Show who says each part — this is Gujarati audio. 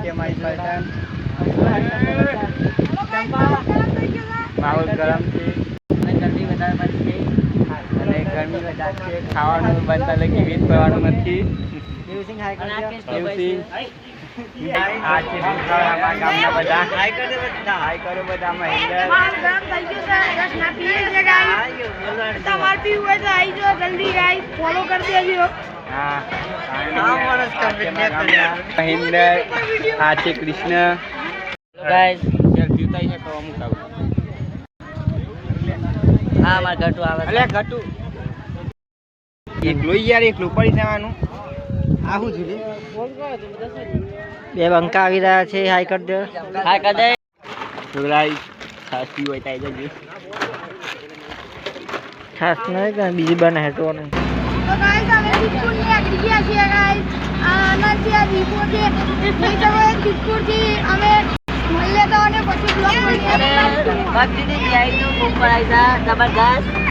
Speaker 1: અમારી પલટન માહોલ ગરમ છે અને ગરમી વધારે પડશે અને ગરમી વધારે છે ખાવાનું બનતા લગી વેટ કરવાનું નથી દેવસિંહ હાઈ કરજો દેવસિંહ આ છે અમારા ગામના બધા હાઈ કરો બધા મહેન્દ્ર
Speaker 2: તમારે પીવું હોય તો આવી જાઓ જલ્દી ગાઈસ ફોલો કરી દેજો
Speaker 1: હા મહેન્દ્ર આ છે કૃષ્ણ ગાઈસ સેલ્ફી ઉતારી છે તો અમુક આવું હા માર ઘટુ આવે અલે ઘટુ એકલો યાર એકલું પડી જવાનું આવું જોઈએ બે બંકા આવી રહ્યા છે હાઈ કર દે હાઈ કર દે છોકરાઈ સાચી હોય તાઈ જજો ખાસ નહીં કે બીજી બને હેટો નહીં
Speaker 2: તો ગાઈસ અમે બિસ્કુટ ની આગળ ગયા છીએ ગાઈસ આનાથી આ દીપો છે એ તમે બિસ્કુટ થી અમે મળ્યા તો અને પછી બ્લોગ કરી
Speaker 3: ભક્તિ ની આઈ નો ઉપર આઈતા જબરદસ્ત